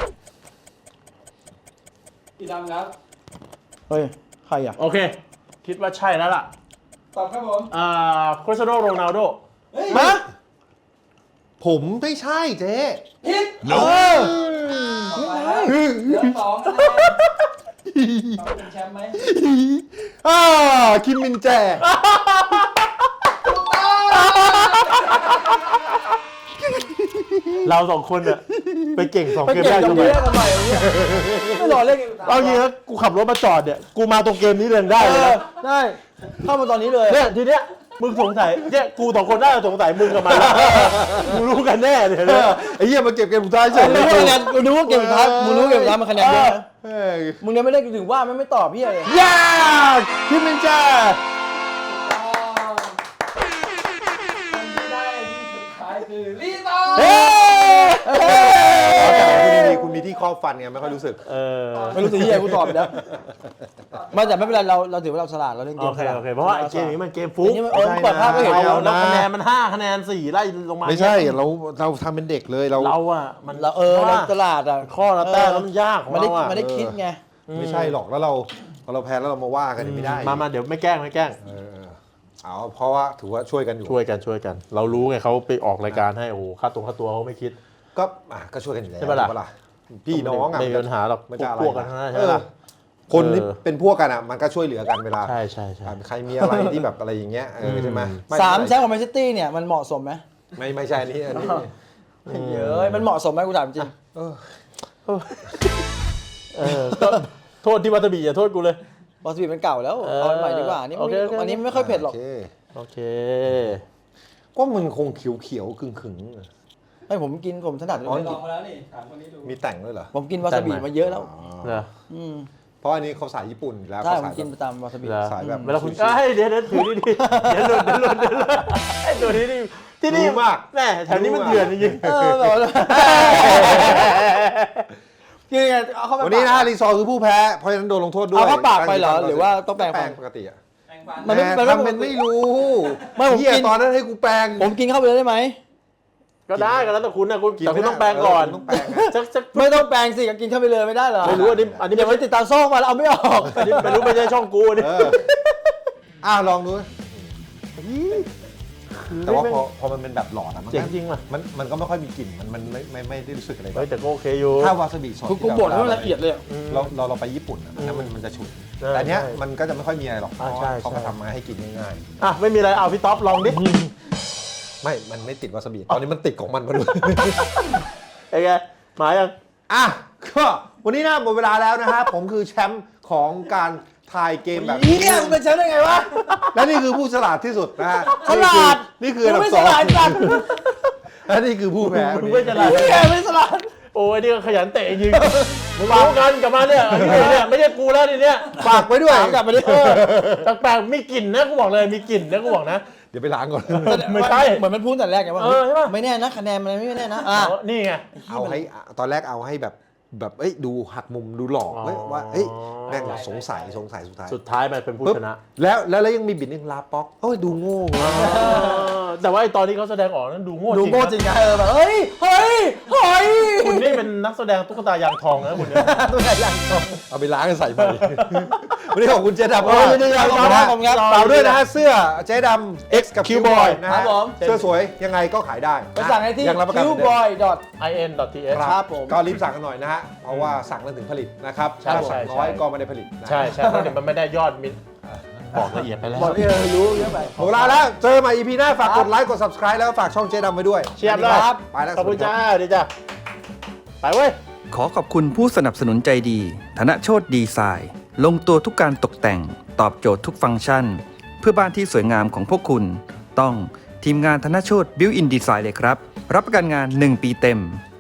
[SPEAKER 4] พี่ดำครับ
[SPEAKER 1] เฮ้ย ใครอ่ะ
[SPEAKER 3] โอเค คิดว่าใช่แล้วล่ะ
[SPEAKER 4] ตอบครับผม
[SPEAKER 3] อ่าคริสเตียโนโรนัลโด
[SPEAKER 4] เฮ้ย
[SPEAKER 1] มา
[SPEAKER 2] ผมไม่ใช่เจ๊
[SPEAKER 4] ผิด
[SPEAKER 2] เออ
[SPEAKER 4] ต่อไปครับเหลือสองนะครับเราเป็นแชมป์ไหม
[SPEAKER 2] อ่าคิมมินแจ
[SPEAKER 3] เราสองคนอะไปเก่งสอง
[SPEAKER 1] ไป
[SPEAKER 3] เกม
[SPEAKER 1] เก่
[SPEAKER 3] ได้
[SPEAKER 1] งกับ
[SPEAKER 3] ทำไม
[SPEAKER 1] เพื่อนทำไมวะเนี่ยไม่รอเล่นกัน
[SPEAKER 3] เอาจริงนะกูขับรถมาจอดเนี่ย กูมาตรงเกมนี้เลยได้เลยนะ
[SPEAKER 1] ได้ เข้ามาตอนนี้เลย
[SPEAKER 3] เนี่ยทีเนี้ยมึงสงสัยเนี่ยกูสองคนน่าจะสงสัยมึงกับมันมึงรู้กันแน่เลย
[SPEAKER 2] เอ
[SPEAKER 3] เนี่ย
[SPEAKER 2] อไอ้เหี้ยมาเก็บเกมสุดท้ายเฉย
[SPEAKER 1] มึงรู้คะแนนมึงรู้ว่าเกมสุดท้ายมึงรู้เกมสุดท้ายมันคะแนนเยอะนะ
[SPEAKER 2] เฮ้ย
[SPEAKER 1] มึงยังไม่ได้ถึงว่าไม่ไม่ตอบพี่เลย
[SPEAKER 2] ยากคิมมินแจ
[SPEAKER 4] อ๋อคนที่ได้ที่สุดท้ายคือลีโต้
[SPEAKER 2] เฮ้ยคุณมีที่ครอบฟันไงไม่ค่อยรู้สึก
[SPEAKER 3] เออ
[SPEAKER 1] ไม่รู้สิที่ไหนกูตอบแล้วไมาแต่ไม่เป็นไรเราเราถือว่าเราฉลาดเราเล่นเก
[SPEAKER 3] โอ
[SPEAKER 1] ม
[SPEAKER 3] เค
[SPEAKER 1] ฉลาด
[SPEAKER 3] โอเคเพราะว่าไอ้เกมนี้มันเกมฟุ
[SPEAKER 1] อั
[SPEAKER 3] ก
[SPEAKER 1] นนี้มันเออเปิดภาพก็เห็น
[SPEAKER 2] ไม่
[SPEAKER 1] เรา
[SPEAKER 2] เอา
[SPEAKER 3] แล้ว
[SPEAKER 2] นะ
[SPEAKER 3] คะแนนมันห้าคะแนนสี่ไล่ลงมา
[SPEAKER 2] ไม่ใช่เราเราทำเป็นเด็กเลยเรา
[SPEAKER 3] เราอะมัน
[SPEAKER 1] เราเออเราฉลาดอ่ะ
[SPEAKER 3] ข้อละแต้มแล้วมันยากของ
[SPEAKER 1] ไม่ได้
[SPEAKER 3] เราอะ
[SPEAKER 1] ไม่ได้คิดไง
[SPEAKER 2] ไม่ใช่หรอกแล้วเราพอเราแพ้แล้วเรามาว่ากันไม่ได้
[SPEAKER 3] มามาเดี๋ยวไม่แกล้งไม่แกล้ง
[SPEAKER 2] เออเอาเพราะว่าถือว่าช่วยกันอยู่
[SPEAKER 3] ช่วยกันช่วยกัน เรารู้ไงเขาไปออกรายการให้โอ้โหค่าตัวค่าตัวเขาไม่คิด
[SPEAKER 2] ก็อ่ะก็ช่วยกันอยู่แล้ว
[SPEAKER 3] ใช่ปะล่ะ
[SPEAKER 2] ถูกพี่น้องอ่ะ
[SPEAKER 3] ไม่มีปัญหาหรอก
[SPEAKER 2] มันจะอะไร
[SPEAKER 3] พวกกันทั้งนั้น
[SPEAKER 2] เอ
[SPEAKER 3] ใช่ไหม
[SPEAKER 2] อ
[SPEAKER 3] ล่ะ
[SPEAKER 2] คนที่
[SPEAKER 3] เออ
[SPEAKER 2] เป็นพวกกันอ่ะมันก็ช่วยเหลือกันเวลา
[SPEAKER 3] ใช่ใช่ใช่
[SPEAKER 2] ใครมีอะไรที่แบบอะไรอย่างเงี้ยเออใช่ไหมไ
[SPEAKER 1] สามแชมป์ของแมนซิตี้เนี่ยมันเหมาะสมไหม
[SPEAKER 2] ไม่ไม่ใช่อันนี้อันนี้
[SPEAKER 1] เยอะมันเหมาะสมไหมกูถามจริง
[SPEAKER 2] เออ
[SPEAKER 3] เออก็โทษที่วัตบีอย่าโทษกูเลย
[SPEAKER 1] บอสบีมันเก่าแล้ว
[SPEAKER 3] เออ
[SPEAKER 1] เอาอันใหม่ดีกว่านี่
[SPEAKER 3] โอเคโอเค
[SPEAKER 1] อันนี้ไม่ค่อยเผ็ดหรอก
[SPEAKER 2] โอเค
[SPEAKER 3] โอเค
[SPEAKER 2] ก็มันคงเขียวเขียวๆขึงขึง
[SPEAKER 1] ให้ผมกินผมถนัด
[SPEAKER 2] อ๋อ
[SPEAKER 4] ลองมาแล้วนี่ถามคนนี้ดู
[SPEAKER 2] ๆมีแต่งด้วยเหรอ
[SPEAKER 1] ผมกินวาซาบิมาเยอะแล้ว
[SPEAKER 2] อ๋อ
[SPEAKER 3] เหรอ
[SPEAKER 1] อืม
[SPEAKER 2] เพราะอันนี้เขาสายญี่ปุ่นอยู่แล้ว
[SPEAKER 1] ใช่
[SPEAKER 2] เขา
[SPEAKER 1] ผม
[SPEAKER 2] สาย
[SPEAKER 1] กิน
[SPEAKER 2] แบ
[SPEAKER 1] ประ
[SPEAKER 2] บ
[SPEAKER 1] จำวาซาบิ
[SPEAKER 3] เหรอ
[SPEAKER 2] สายแบบ
[SPEAKER 3] เวลาคุณเอ้ยเดี๋ยวเดี๋ยวถือนี่ดิเดี๋ยวหลุดเดี๋ยวหลุดเดี๋ยวหลุดไอ้ตัวนี้นี่ที่นี่
[SPEAKER 2] รู้มาก
[SPEAKER 3] แม่แถวนี้มันเถื่อนจริง
[SPEAKER 1] เออแบบว่ากินไงเอาเข้าไป
[SPEAKER 2] วันนี้นะรีซอร์คือผู้แพ้เพราะฉะนั้นโดนลงโทษด้วย
[SPEAKER 1] เอาเข้าปากไปเหรอหรือว่าต้องแปรง
[SPEAKER 2] แป
[SPEAKER 1] ฟั
[SPEAKER 2] รง
[SPEAKER 1] น
[SPEAKER 2] ปกติอะ
[SPEAKER 4] แปรงฟัน
[SPEAKER 1] มันไม่
[SPEAKER 2] แปรงทำเป็นไม่รู้
[SPEAKER 1] ไม่ผม
[SPEAKER 2] เหี้ย
[SPEAKER 1] กิน
[SPEAKER 2] ตอนนั้นให้กูแปรง
[SPEAKER 1] ผมกินเข้าไปเลยได้ไหม
[SPEAKER 3] ๆก็ได้ก็แล้วแต่คุณนะคุณ
[SPEAKER 2] กิน
[SPEAKER 3] แต่คุณ
[SPEAKER 2] ไม่ได้
[SPEAKER 3] ต้องแปลงก่อน
[SPEAKER 2] เออคุณต้องแปรงนะ
[SPEAKER 3] สักสัก
[SPEAKER 1] ไม่ต้องแปรงสิกินเข้าไปเลยไม่ได้เหรอ
[SPEAKER 3] ไม่รู้อันนี้อันนี้
[SPEAKER 1] เดี๋ยวมันติดตามโซ่มาแล้วเอาไม่ออก
[SPEAKER 3] อันนี้ไม่รู้ไม่ใช่ช่องกูอันนี่
[SPEAKER 2] เอออ้าวลองดูแต่ว่าพอพอมันเป็นแบบหลอดอะมัน
[SPEAKER 3] เจ๋ง
[SPEAKER 2] ก็
[SPEAKER 3] จริงว่ะ
[SPEAKER 2] มันมันก็ไม่ค่อยมีกลิ่นมันมันไม่ไม่ไม่ได้รู้สึกอะไรแบ
[SPEAKER 3] เฮ้ย
[SPEAKER 2] บ
[SPEAKER 3] แต่ก็โอเคอยู่
[SPEAKER 2] ถ้าวาซาบิสด
[SPEAKER 1] กูกู
[SPEAKER 2] ที่
[SPEAKER 1] บ่น
[SPEAKER 2] รา
[SPEAKER 1] ให้มันละเอียดเลยอะ
[SPEAKER 2] เราเราเราไปญี่ปุ่นอะอันนั้นมันมันจะฉุน
[SPEAKER 3] ใช่
[SPEAKER 2] แต่อันเนี้ย
[SPEAKER 3] ใช่
[SPEAKER 2] มันก็จะไม่ค่อยมีอะไรหรอกเพ
[SPEAKER 3] อ่า
[SPEAKER 2] ราะ
[SPEAKER 3] ใช่
[SPEAKER 2] ว่าเขา
[SPEAKER 3] ใช่
[SPEAKER 2] มาทำมาให้กินง่าย
[SPEAKER 3] อ่ะไม่มีอะไรเอาพี่ท็อปลองดิ
[SPEAKER 2] ๆไม่มันไม่ติดวาซาบิตอนนี้มันติดของมันมาด้วย
[SPEAKER 3] ไอ้ไงมายัง
[SPEAKER 2] อ่ะก็วันนี้นะหมดเวลาแล้วนะฮะ ผมคือแชมป์ของการทายเกมแบบนี้
[SPEAKER 1] เนี่ยมึงเป็นแชมป์ได้ไงวะ
[SPEAKER 2] และนี่คือผู้ฉลาดที่สุดนะฮะ
[SPEAKER 1] ฉลาด
[SPEAKER 2] นี่คืออันดั
[SPEAKER 1] ไม่
[SPEAKER 2] บส
[SPEAKER 1] ฉ
[SPEAKER 2] อง
[SPEAKER 1] ลาดจัด
[SPEAKER 2] และนี่คือผู้แพ้
[SPEAKER 3] มึงไม่ฉลาด
[SPEAKER 1] แกไม่ฉลาด
[SPEAKER 3] โอ้ยนี่ก็ขยันเตะจริงมึงรู้กันกลับมาเนี่ยอันนี้เนี่ยไม่ใช่กูแล้วทีเนี้ย
[SPEAKER 2] ฝากไว้ด้วย
[SPEAKER 1] ถามกลับมาดิ
[SPEAKER 3] เออแปลกๆมีกลิ่นนะกูบอกเลยมีกลิ่นนะกูบอกนะ
[SPEAKER 2] เดี๋ยวไปล้างก่อน
[SPEAKER 3] ไม่ใช่
[SPEAKER 1] เหมือนมันพูดแต่แรกไงว่า
[SPEAKER 3] เออใช่ปะ
[SPEAKER 1] ไม่แน่นะคะแนนมันไม่แน่นะอ่ะ
[SPEAKER 3] อ๋อนี่ไง
[SPEAKER 2] เอาให้ตอนแรกเอาให้แบบแบบเอ้ยดูหักมุมดูหลอกเว้ยว่าเอ้ยแม่งสงสัยสงสัยสุดท้าย
[SPEAKER 3] สุดท้ายมันเป็นผู้
[SPEAKER 2] ปุ๊บ
[SPEAKER 3] ชนะ
[SPEAKER 2] แล้วแล้วแล้วยังมีบิดนึงลาป๊อกโอ้ยดูโง่ว่ะ
[SPEAKER 3] เออแต่ว่าไอ้ตอนที่เขาแสดงออกนั้นดูโง่จ
[SPEAKER 1] ดู
[SPEAKER 3] ริง
[SPEAKER 1] โง่จริงไงเออแบบเฮ้ยเฮ้ยเฮ้ย
[SPEAKER 3] คุณนี่เป็นนักแสดงตุ๊กตายางทองนะคุณเนี่ย
[SPEAKER 1] ตัวใหญ่ยังตรง
[SPEAKER 2] เอาไปล้างกันใส่ไปวันนี้ขอบคุณเจ๊ดำ
[SPEAKER 1] โอ้ยยินดีครับ
[SPEAKER 2] ขอบคุณนะ
[SPEAKER 1] ขอบคุณครับ
[SPEAKER 2] ฝากด้วยนะฮะเสื้อเจ๊ดำ X กับ Q-Boy นะ
[SPEAKER 1] ครั
[SPEAKER 2] ฮะ
[SPEAKER 1] บผม
[SPEAKER 2] เสื้อสวยยังไงก็ขายได้
[SPEAKER 1] ไปสั่งได้ที่
[SPEAKER 2] ยังรับประกันเหมือนเดิม
[SPEAKER 1] คิวบอยดอท
[SPEAKER 3] ไอ เอ็น ดอท ที เอส
[SPEAKER 1] ครับผม
[SPEAKER 2] ก็รีบสั่งกันหน่อยนะฮะ เพราะว่าสั่งแล้วถึงผลิตนะครับ
[SPEAKER 3] ใช่
[SPEAKER 2] ถ้าสั่ง
[SPEAKER 3] ใช่
[SPEAKER 2] น้อย
[SPEAKER 3] ใช่
[SPEAKER 2] ก็ไม่ได้ผลิตนะ
[SPEAKER 3] ใช่ใช่เพราะเดี๋ยวมันไม่ได้ยอดมิตรบอกละเอียดไปแล้ว
[SPEAKER 1] บอกที่เรารู้เยอะไป
[SPEAKER 2] หมดเวลาแล้ว เจอใหม่ อี พี หน้า ฝากกดไลค์ กด subscribe แล้วก็ฝากช่องเจ๊ดำไว้ด้วย
[SPEAKER 3] เชียบเลย
[SPEAKER 1] ครับ
[SPEAKER 2] ไปแล้ว
[SPEAKER 3] ขอบคุณ
[SPEAKER 2] สวัสดี
[SPEAKER 3] จ้า
[SPEAKER 2] รับ
[SPEAKER 3] ดีจ้าไปเว้ย
[SPEAKER 5] ขอขอบคุณผู้สนับสนุนใจดี ธนโชติดีไซน์ ลงตัวทุกการตกแต่ง ตอบโจทย์ทุกฟังก์ชัน เพื่อบ้านที่สวยงามของพวกคุณ ต้องทีมงานธนโชติบิวอินดีไซน์เลยครับ รับประกันงานหนึ่งปีเต็ม